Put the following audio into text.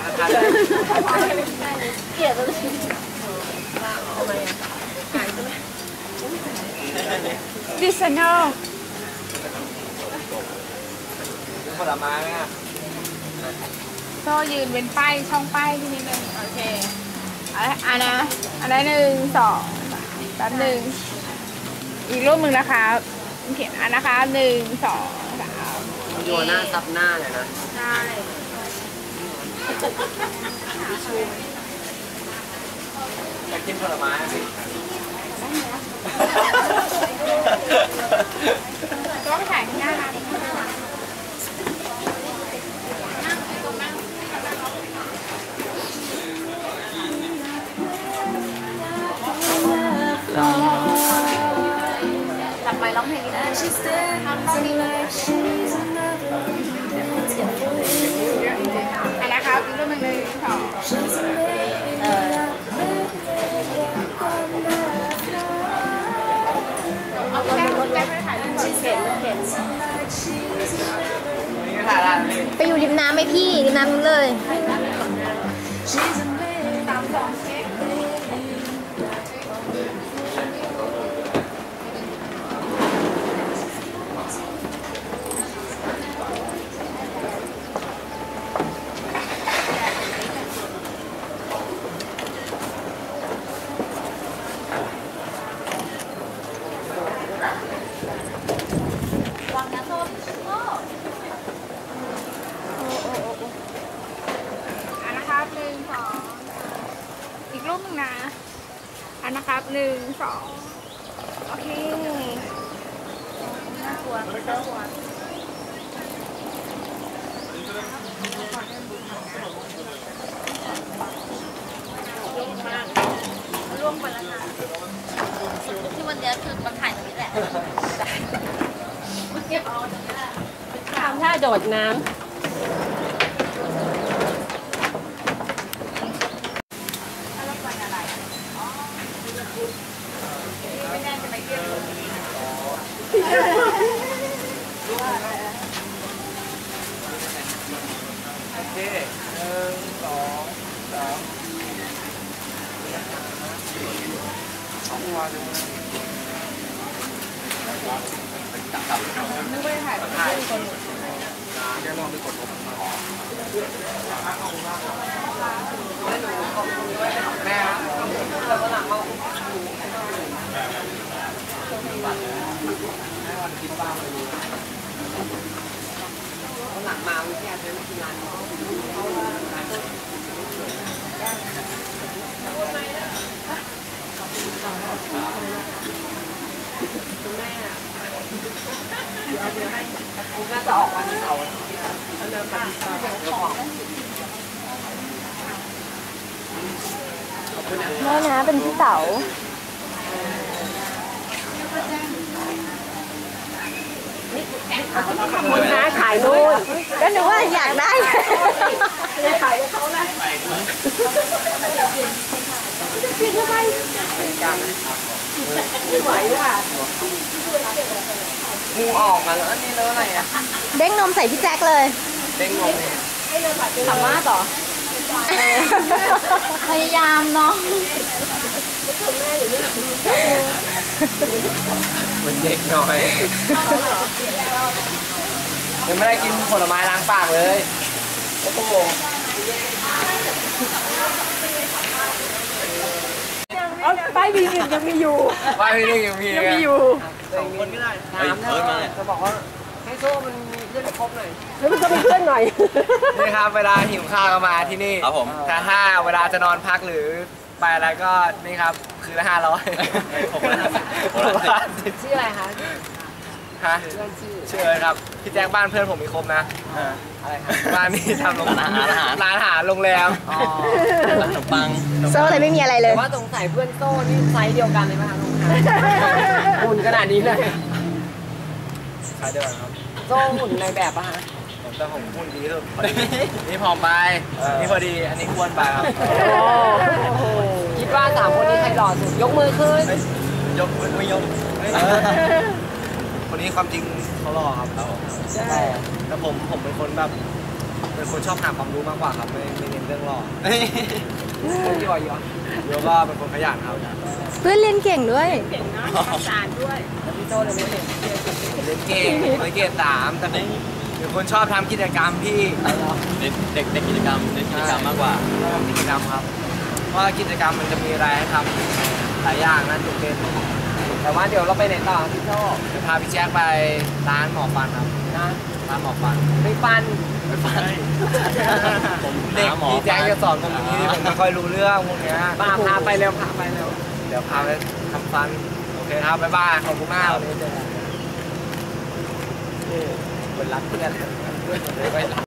เกลียดเลยดิสโนผลไม้ไหมอ่ะโซ่ยืนเป็นป้ายช่องป้ายที่นิดนึงโอเคอันนะอันนั้น1 2 3แป๊บนึงอีกรูปมึงนะคะเขียนอันนะคะ1 2 3 โยนหน้าซับหน้าเลยนะใช่อยากกินผลไม้สิก็ไปถ่ายข้างหน้าร้านกลับไปร้องเพลงได้ทำต้องดีเลยอันนะครับอีกรูปหนึ่ง2เอาแก้วแก้วไปถ่ายรูปก่อนเข็นไปอยู่ริมน้ำไหมพี่ริมน้ำนู้นเลยอีกรูปหนึ่งนะอันนะครับ1 2โอเคน่ากลัวน่ากลัวร่วงไปแล้วนะที่วันนี้คือมาถ่ายตรงนี้แหละเก็บเอาตรงนี้แหละทำท่าโดดน้ำโอเค1 2 3เอาหัวดูนึกว่าถ่ายแบบนี้คนแกมองไปกดลบแม่แล้วก็หลังเราให้วันคิดบ้างไปดูหลังมาวิแค่ใช้ไม่กี่งานคุณแม่เดี๋ยวให้คุณน่าจะออกวันเสาร์เริ่มมาของแม่นะเป็นพี่เต๋าคุณน้าขายนู่นก็นึกว่าอยากได้ขายเขานะพี่ทำไมไม่ไหวค่ะงูออกมาแล้วอันนี้เลอะอะไรอ่ะเด้งนมใส่พี่แจ็คเลยเด้งนมเนี่ยสามารถต่อพยายามเนาะเหมือนเด็กหน่อยยังไม่ได้กินผลไม้ล้างปากเลยโอ้โหป้ายวียังมีอยู่ป้ายวียังมีอยู่ 2 คนก็ได้ถามนะจะบอกว่าให้โซ่มันมีเพื่อนครบหน่อยแล้วมันก็เป็นเพื่อนหน่อยนี่ครับเวลาหิวข้าวก็มาที่นี่ครับผมถ้าเวลาจะนอนพักหรือไปอะไรก็นี่ครับคือละ500 ผมชื่ออะไรคะฮะชื่ออะไรครับพี่แจ้งบ้านเพื่อนผมมีครบนะอะไรครับบ้านนี้ทำร้านอาหารโรงแรมขนมปังโซ่เลยไม่มีอะไรเลยว่าสงสัยเพื่อนโซ่นี่ไซส์เดียวกันเลยไหมคะหุ่นขนาดนี้เลยไซส์เดียวกันครับโซ่หุ่นในแบบป่ะฮะแต่ผมหุ่นดีสุดนี่ผอมไปนี่พอดีอันนี้อ้วนไปครับคิดว่า3 คนนี้ใครหล่อสุดยกมือขึ้นยกไม่ยกคนนี้ความจริงเขาหล่อครับแต่ผมเป็นคนแบบเป็นคนชอบหาความรู้มากกว่าครับไม่เน้นเรื่องหล่อยี่ห้อโยก็เป็นคนขยันครับเพื่อนเรียนเก่งด้วยเก่งนะภาษาด้วยแล้วพี่โจ้เนี่ยไม่เห็นเล่นเก่งไม่เกรด3แต่เป็นคนชอบทำกิจกรรมที่เด็กกิจกรรมเด็กกิจกรรมมากกว่าทำกิจกรรมครับเพราะว่ากิจกรรมมันจะมีอะไรให้ทำหลายอย่างนั่นจุดเด่นแต่ว่าเดี๋ยวเราไปไหนต่อพี่โจ้จะพาพี่แจ๊คไปร้านหมอฟันครับนะร้านหมอฟันไปฟันผมเด็กหาหมอพี่แจ๊คจะสอนผมอย่างนี้ผมไม่ค่อยรู้เรื่องพวกเนี้ยพาไปเร็วเดี๋ยวพาไปทำฟันโอเคครับบ๊ายบายขอบคุณมากเป็นรักเพื่อน